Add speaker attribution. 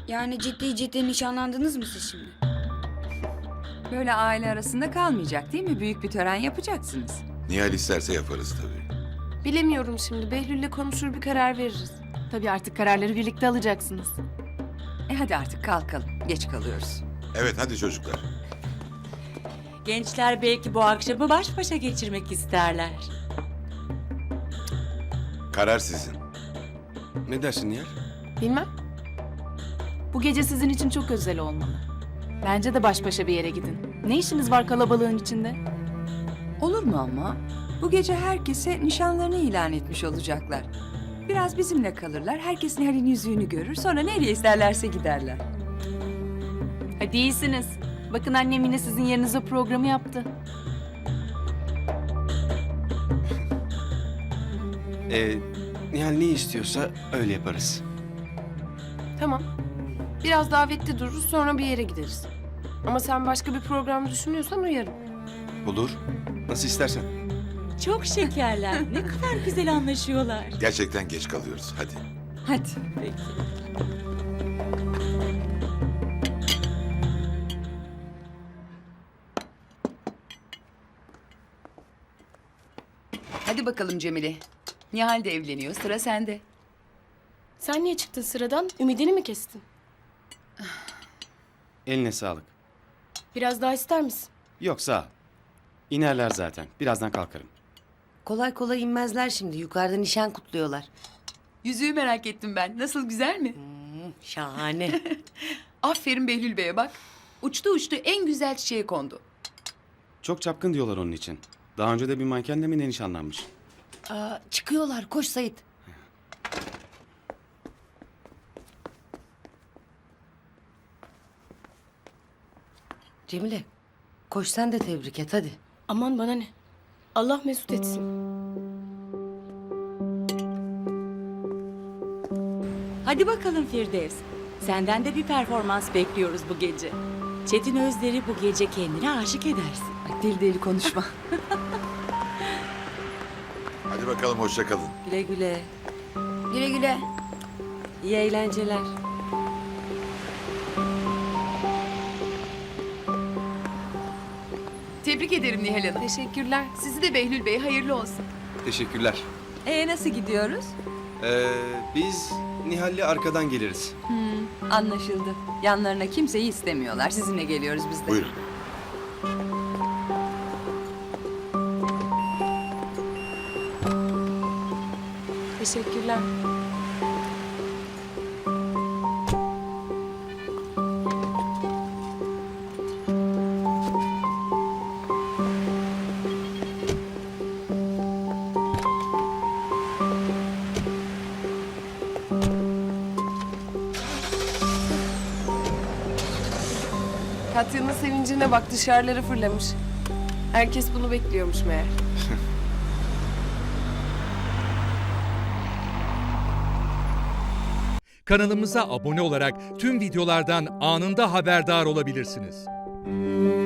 Speaker 1: Yani ciddi ciddi nişanlandınız mı siz şimdi?
Speaker 2: Böyle aile arasında kalmayacak değil mi? Büyük bir tören yapacaksınız.
Speaker 3: Nihal isterse yaparız tabii.
Speaker 4: Bilemiyorum şimdi. Behlül'le konuşur bir karar veririz.
Speaker 5: Tabii artık kararları birlikte alacaksınız.
Speaker 2: Hadi artık kalkalım. Geç kalıyoruz.
Speaker 3: Evet hadi çocuklar.
Speaker 6: Gençler belki bu akşamı baş başa geçirmek isterler.
Speaker 3: Karar sizin.
Speaker 7: Ne dersin Nihal?
Speaker 4: Bilmem.
Speaker 5: Bu gece sizin için çok özel olmalı. Bence de baş başa bir yere gidin. Ne işiniz var kalabalığın içinde?
Speaker 2: Olur mu ama? Bu gece herkese nişanlarını ilan etmiş olacaklar. Biraz bizimle kalırlar. Herkes Nihal'in yüzüğünü görür. Sonra nereye isterlerse giderler.
Speaker 5: Hadi iyisiniz. Bakın annem yine sizin yerinize programı yaptı.
Speaker 7: Nihal ne istiyorsa öyle yaparız.
Speaker 4: Tamam. Biraz davetli dururuz sonra bir yere gideriz. Ama sen başka bir program düşünüyorsan uyarım.
Speaker 7: Olur. Nasıl istersen.
Speaker 6: Çok şekerler. Ne kadar güzel anlaşıyorlar.
Speaker 3: Gerçekten geç kalıyoruz. Hadi.
Speaker 2: Hadi.
Speaker 6: Peki.
Speaker 2: Hadi bakalım Cemile. Nihal de evleniyor. Sıra sende.
Speaker 4: Sen niye çıktın sıradan? Ümidini mi kestin?
Speaker 7: Eline sağlık.
Speaker 4: Biraz daha ister misin?
Speaker 7: Yok sağ ol. İnerler zaten. Birazdan kalkarım.
Speaker 8: Kolay kolay inmezler şimdi. Yukarıda nişan kutluyorlar.
Speaker 2: Yüzüğü merak ettim ben. Nasıl, güzel mi?
Speaker 8: Şahane.
Speaker 2: Aferin Behlül Bey'e bak. Uçtu uçtu en güzel çiçeğe kondu.
Speaker 7: Çok çapkın diyorlar onun için. Daha önce de bir mankenle mi ne nişanlanmış?
Speaker 8: Aa, çıkıyorlar. Koş Sait. Cemile, koş sen de tebrik et hadi.
Speaker 4: Aman bana ne? Allah mesut etsin.
Speaker 6: Hadi bakalım Firdevs. Senden de bir performans bekliyoruz bu gece. Çetin Özler'i bu gece kendine aşık edersin.
Speaker 2: Ay, deli deli konuşma.
Speaker 3: Hadi bakalım hoşça kalın.
Speaker 8: Güle güle.
Speaker 1: Güle güle.
Speaker 8: İyi eğlenceler.
Speaker 2: Tebrik ederim Nihal Hanım.
Speaker 4: Teşekkürler.
Speaker 2: Sizi de Behlül Bey hayırlı olsun.
Speaker 7: Teşekkürler.
Speaker 2: Nasıl gidiyoruz?
Speaker 7: Biz Nihal'le arkadan geliriz.
Speaker 2: Anlaşıldı. Yanlarına kimseyi istemiyorlar. Sizinle geliyoruz biz de.
Speaker 3: Buyurun.
Speaker 4: Teşekkürler. Katya'nın sevincine bak, dışarılara fırlamış. Herkes bunu bekliyormuş meğer.
Speaker 9: Kanalımıza abone olarak tüm videolardan anında haberdar olabilirsiniz.